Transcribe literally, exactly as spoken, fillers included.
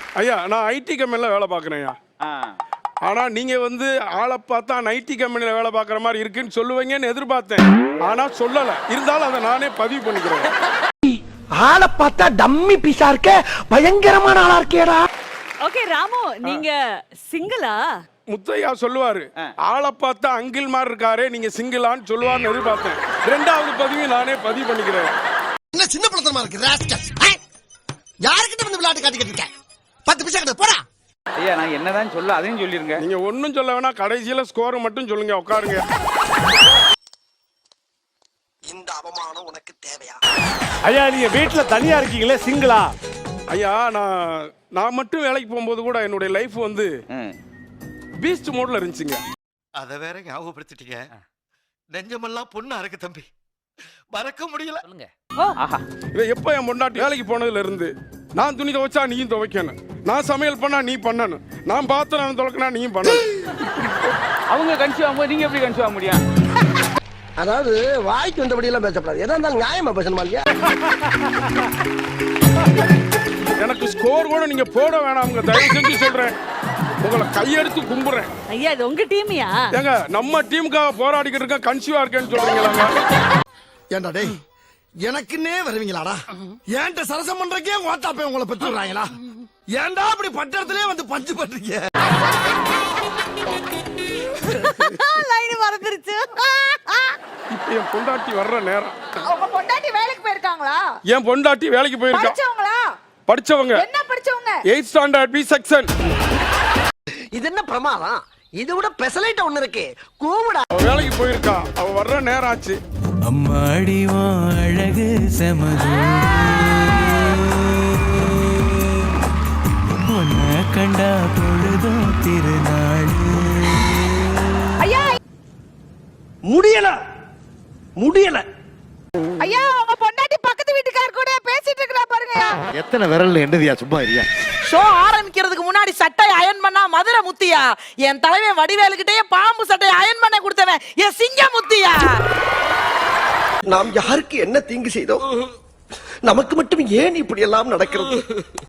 ஐயா நான் ஐடி கம்பெனியில் வேலை பார்க்குறேன் ஐயா. ஆனா நீங்க வந்து ஆளை பார்த்தா ஐடி கம்பெனியில் வேலை பார்க்குற மாதிரி இருக்குன்னு சொல்லுவீங்கன்னு எதிர்பார்த்தேன். ஆனா சொல்லல. இருந்தாலும் அதை நானே பதிவு பண்ணிக்கிறேன். ஆளை பார்த்தா டம்மி பீஸா இருக்க, பயங்கரமான ஆளா இருக்கேடா. ஓகே ராமு, நீங்க சிங்கிளா? முத்தையா சொல்லுவாரு, ஆளை பார்த்தா அங்கிள் மாதிரி இருக்காரு, நீங்க சிங்கிளான்னு சொல்லுவார்னு எதிர்பார்த்தேன். ரெண்டாவது பதிவு நானே பதிவு பண்ணிக்கிறேன். என்ன சின்ன பழத்தனமா இருக்கு ராஸ்கல். யார்கிட்ட வந்து விளையாட்டு காட்டிக்கிட்டு இருக்க? பத்து பைசா கிட்ட போடா. ஐயா நான் என்னதான் சொல்ல அதையும் சொல்லிருங்க. நீங்க ஒன்னும் சொல்ல வேணா, கடைசியில ஸ்கோர் மட்டும் சொல்லுங்க. உட்காருங்க. இந்த அவமானம் உனக்கு தேவையா? ஐயா நீங்க வீட்டுல தனியா இருக்கீங்களே, சிங்கிளா? ஐயா நான் நான் மட்டும் வேலைக்கு போகும்போது கூட என்னுடைய லைஃப் வந்து பீஸ்ட் மோட்ல இருந்துச்சுங்க. அத வேற ஞாபகப்படுத்திட்டீங்க. நெஞ்சமெல்லாம் பொண்ணா இருக்கு தம்பி, மறக்க முடியல. எப்ப என் பொண்டாட்டி வேலைக்கு போனதுல இருந்து நான் துணி துவைச்சா நீயும் துவைக்கணும், நான் சமையல் பண்ணா நீ பண்ணணும், நான் பாத்திரம் துவைக்கனா நீயும் பண்ணணும். அவங்க கன்சியூவ் ஆகும்போது நீங்க எப்படி கன்சியூவ் ஆக முடியும்? அதாவது வாய்க்கு வந்தபடி எல்லாம் பேசப்படாது, எதா இருந்தாலும் நியாயமா பேசணுமா இல்லையா? எனக்கு ஸ்கோர் கூட நீங்க போட வேணாம், தயவு செஞ்சு சொல்றேன். உங்களை கையெடுத்து கும்புறேன். ஐயா இது உங்க டீமியா? ஏங்க நம்ம டீமுக்காக போராடிக்கிட்டு இருக்க, கன்சியூவா இருக்கேன்னு சொல்றீங்களாங்க? ஏண்டா டேய், எனக்குன்னே வருவீங்களாடா? ஏன்ட்ட சரசம் பண்றக்கே ஓட்டாப்பே உங்களை பெற்றுறாங்களா? ஏன்டா அப்படி பட்டறதுலயே வந்து பஞ்சு பண்றீங்க? லைன் மறந்துருச்சு. இப்ப என் பொண்டாட்டி வர்ற நேரம். உங்க பொண்டாட்டி வேலைக்கு போயிருக்காங்களா? என் பொண்டாட்டி வேலைக்கு போயிருக்கா. படிச்சவங்களா? படிச்சவங்க. என்ன படிச்சவங்க? Eight standard B section. இது என்ன பிரமாதம்? இது விட பெசலைட் ஒண்ணு இருக்கு, கூவுடா. அவ வேலைக்கு போயிருக்கா, அவ வர்ற நேரம் ஆச்சு. அம்மாடி வா அழகு செமது, உன்னை கண்டா பொழுதும் திருநாள். ஐயா முடியல முடியல. ஐயா உங்க பொண்டாட்டி பக்கத்து வீட்டுக்கார கூட பேசிட்டு இருக்கா பாருங்க. எத்தனை விரல் என்னதியா, சும்மா இருயா. ஷோ ஆரம்பிக்கிறதுக்கு முன்னாடி சட்டை அயன் பண்ணா மதுரை முத்தியா, என் தலைவன் வடிவேலுக்கிட்டே பாம்பு சட்டை அயன் பண்ண கொடுத்தவன் என் சிங்க முத்தியா. நாம் யாருக்கு என்ன தீங்கு செய்தோம்? நமக்கு மட்டும் ஏன் இப்படி எல்லாம் நடக்கிறது?